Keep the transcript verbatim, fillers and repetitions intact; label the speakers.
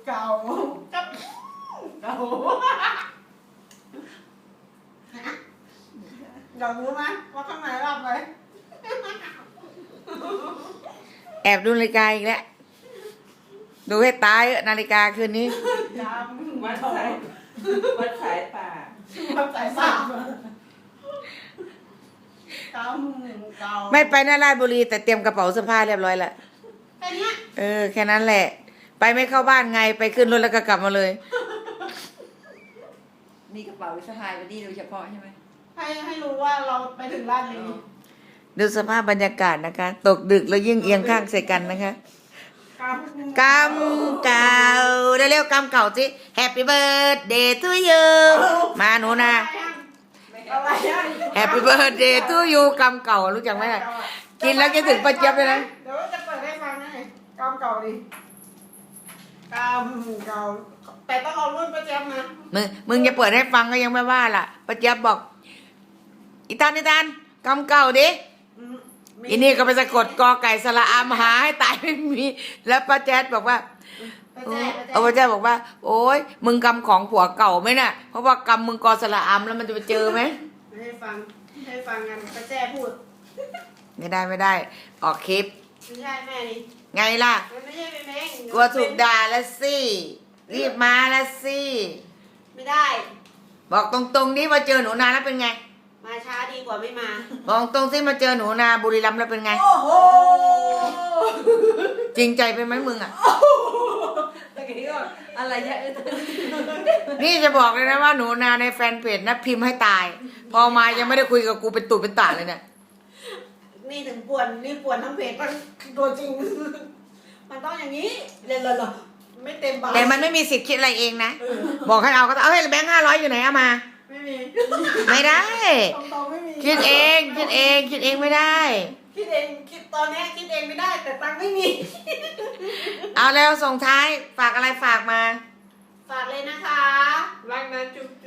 Speaker 1: เก่ากับเก่าอยากรู้ไหมว่าข้างในรับอะไร
Speaker 2: แอบดูนาฬิกาอีกแล้วดูให้ตายนาฬิกาคืนนี้
Speaker 1: จำ
Speaker 3: วัดสายวัดสายป่า
Speaker 1: วัดสายป่าเก่าเก่า
Speaker 2: ไม่ไปหน้าราชบุรีแต่เตรียมกระเป๋าเสื้อผ้าเรียบร้อยแล้ว
Speaker 1: แค่เนี้ย
Speaker 2: เออแค่นั้นแหละ ไปไม่เข้าบ้านไงไปขึ้นรถแล้วก็กลับมาเลย
Speaker 3: มีกระเป๋าสะพายไปนี่โดยเฉพาะใช่ไหม
Speaker 1: ให้ให้รู้ว่าเราไปถึงร้านนี้
Speaker 2: ดูสภาพบรรยากาศนะคะ ตกดึกแล้วยิ่งเอียงข้างใส่กันนะคะ
Speaker 1: ก
Speaker 2: กำเก่าเร็วๆกำเก่าสิ Happy birthday to you มาหนูนะ
Speaker 1: อะไรอ่ะ
Speaker 2: Happy birthday to you กำเก่ารู้จักไหมล่ะกินแล้วคิดถึงป้าเจี๊ยบเลยนะ
Speaker 1: เดี๋ยวจะเปิดให้ฟังนะกำเก่าดิกำเก่าแต่ต้องเอารุ่นประจำนะ
Speaker 2: มึงมึงจะเปิดให้ฟังก็ยังไม่ว่าล่ะป้าเจี๊ยบบอกอีตานอีตานกำเก่าดิ
Speaker 1: อืมมี
Speaker 2: อีนี่ก็ไปสะกดกอไก่สระอามหาให้ตายไม่มี แล้วป้าแจ๊ดบอกว่า
Speaker 1: ประแจประแจ
Speaker 2: เอาป้าแจ๊ดบอกว่า โอ๊ยมึงกำของผัวเก่าไหมน่ะ เพราะว่ากำมึงกอสระอามแล้วมันจะไปเจอไหม
Speaker 1: ให้ฟังให้ฟังกันประแจพูด
Speaker 2: ไม่ได้ไม่ได้ ออกคลิป
Speaker 1: ไม่ใช่แม่นี่
Speaker 2: ไงล่ะ
Speaker 1: มันไม่ใช่เป็นแม่ง
Speaker 2: กลัวถูกด่าแล้วสิรีบมาแล้วสิ
Speaker 1: ไม่ได้
Speaker 2: บอกตรงๆนี่มาเจอหนูนาแล้วเป็นไง
Speaker 1: มาช้าดีกว่าไม่มา
Speaker 2: บอกตรงสิมาเจอหนูนาบุรีรัมย์แล้วเป็นไง
Speaker 1: โอ้โห
Speaker 2: จริงใจไปไหมมึงอ่ะ
Speaker 3: ตะกี้ก็อะไรเยอะเออ
Speaker 2: นี่จะบอกเลยนะว่าหนูนาในแฟนเพจนะพิมพ์ให้ตาย พอมายังไม่ได้คุยกับกูเป็นตุเป็นตาเลยเนี่ย
Speaker 1: นี่ถึงป่วนนี่ป่วนทั้งเพจมันตัวจริง มันต้องอย่างนี้เรียนเลยเหรอไม่เต็มบาท
Speaker 2: แต่มันไม่มีสิทธิ์คิดอะไรเองนะ บอกให้เอาก็ต้องเอาให้แบงค์ห้าร้อยอยู่ไหนเอามา
Speaker 1: ไม่มี
Speaker 2: ไม่ได้
Speaker 1: ตรงๆไม่มี
Speaker 2: คิดเองคิดเองคิดเองไม่ได้
Speaker 1: คิดเองคิดตอนเนี้ยคิดเองไม่ได้แต่ตังค์ไม่มี
Speaker 2: เอาแล้วส่งท้ายฝากอะไรฝากมา
Speaker 1: ฝากเลยนะคะ
Speaker 3: รักนะจุ๊บ